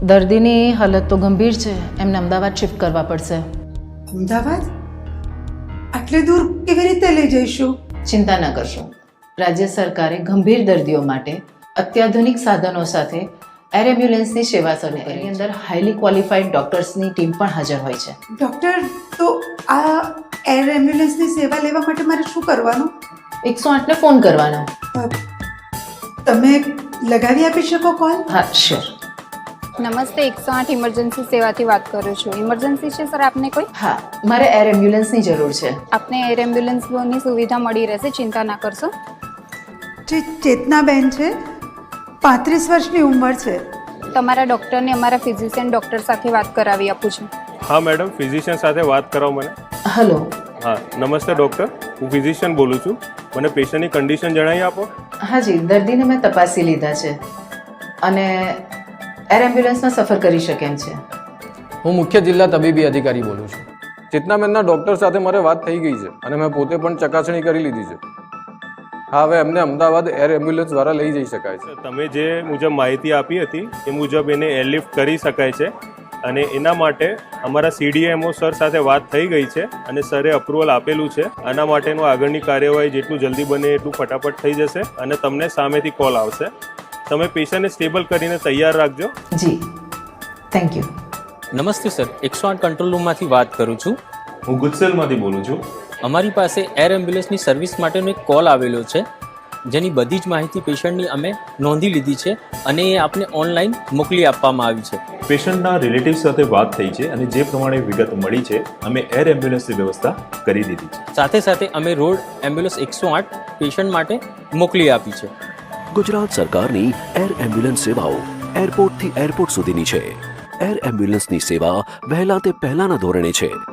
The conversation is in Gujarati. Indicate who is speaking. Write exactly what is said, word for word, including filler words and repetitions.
Speaker 1: દર્દીની હાલત તો ગંભીર છે, એમને અમદાવાદ શિફ્ટ કરવા પડશે.
Speaker 2: અમદાવાદ? આટલે દૂર કેવી રીતે લઈ જઈશું?
Speaker 1: ચિંતા ન કરશો. રાજ્ય સરકારે ગંભીર દર્દીઓ માટે અત્યાધુનિક સાધનો સાથે એર એમ્બ્યુલન્સની સેવા શરૂ કરી. એની અંદર હાઈલી ક્વોલિફાઈડ ડોક્ટર્સની ટીમ પણ હાજર હોય છે.
Speaker 2: ડૉક્ટર, તો આ એર એમ્બ્યુલન્સની સેવા લેવા માટે મારે શું કરવાનું?
Speaker 1: એકસો આઠને ફોન કરવાનો.
Speaker 2: અ, તમે લગાવી આપી શકો કોલ?
Speaker 1: હા, શ્યોર.
Speaker 3: નમસ્તે, એકસો આઠ ઇમરજન્સી સેવાથી વાત કરું છું. ઇમરજન્સી છે સર આપને કોઈ?
Speaker 1: હા, મારે એર એમ્બ્યુલન્સની જરૂર છે.
Speaker 3: આપને એર એમ્બ્યુલન્સની સુવિધા મળી રહેશે, ચિંતા ના કરશો.
Speaker 2: જે ચેતનાબેન છે, પાંત્રીસ વર્ષની ઉંમર છે.
Speaker 3: તમારા ડૉક્ટરને અમારા ફિઝિશિયન ડૉક્ટર સાથે વાત કરાવી આપું છું.
Speaker 4: હા મેડમ, ફિઝિશિયન સાથે વાત કરાવો મને.
Speaker 1: હલો.
Speaker 4: હા નમસ્તે ડૉક્ટર, હું ફિઝિશિયન બોલું છું. મને પેશન્ટની કન્ડિશન જણાવી આપો.
Speaker 1: હાજી, દર્દીને મેં તપાસી લીધા છે અને એર એમ્બ્યુલન્સમાં સફર કરી શકે એમ છે.
Speaker 5: હું મુખ્ય જિલ્લા તબીબી અધિકારી બોલું છું. ચેતનાબેનના ડૉક્ટર સાથે મારે વાત થઈ ગઈ છે અને મેં પોતે પણ ચકાસણી કરી લીધી છે. હા, હવે એમને અમદાવાદ એર એમ્બ્યુલન્સ દ્વારા લઈ જઈ શકાય છે.
Speaker 4: તમે જે મુજબ માહિતી આપી હતી એ મુજબ એને એરલિફ્ટ કરી શકાય છે અને એના માટે અમારા સીડીએમઓ સર સાથે વાત થઈ ગઈ છે અને સરે અપ્રુવલ આપેલું છે. આના માટેનું આગળની કાર્યવાહી જેટલું જલ્દી બને એટલું ફટાફટ થઈ જશે અને તમને સામેથી કોલ આવશે. તમે પેશન્ટને સ્ટેબલ કરીને તૈયાર રાખજો.
Speaker 1: જી, થેન્ક યુ.
Speaker 6: નમસ્તે સર, એકસો આઠ કંટ્રોલ રૂમમાંથી વાત કરું છું.
Speaker 7: હું ગુજસેલમાંથી બોલું છું.
Speaker 6: અમારી પાસે એર એમ્બ્યુલન્સની સર્વિસ માટેનો એક કોલ આવેલો છે, જેની બધી જ માહિતી પેશન્ટની અમે નોંધી લીધી છે અને એ આપને ઓનલાઈન મોકલી આપવામાં આવી છે.
Speaker 7: પેશન્ટના રિલેટિવ સાથે વાત થઈ છે અને જે પ્રમાણે વિગત મળી છે અમે એર એમ્બ્યુલન્સની વ્યવસ્થા કરી દીધી છે.
Speaker 6: સાથે સાથે અમે રોડ એમ્બ્યુલન્સ એકસો આઠ પેશન્ટ માટે મોકલી આપી છે.
Speaker 8: ગુજરાત સરકારની એર એમ્બ્યુલન્સ સેવાઓ એરપોર્ટથી એરપોર્ટ સુધીની છે. એર એમ્બ્યુલન્સની સેવા વહેલા તે પહેલાના ધોરણે છે.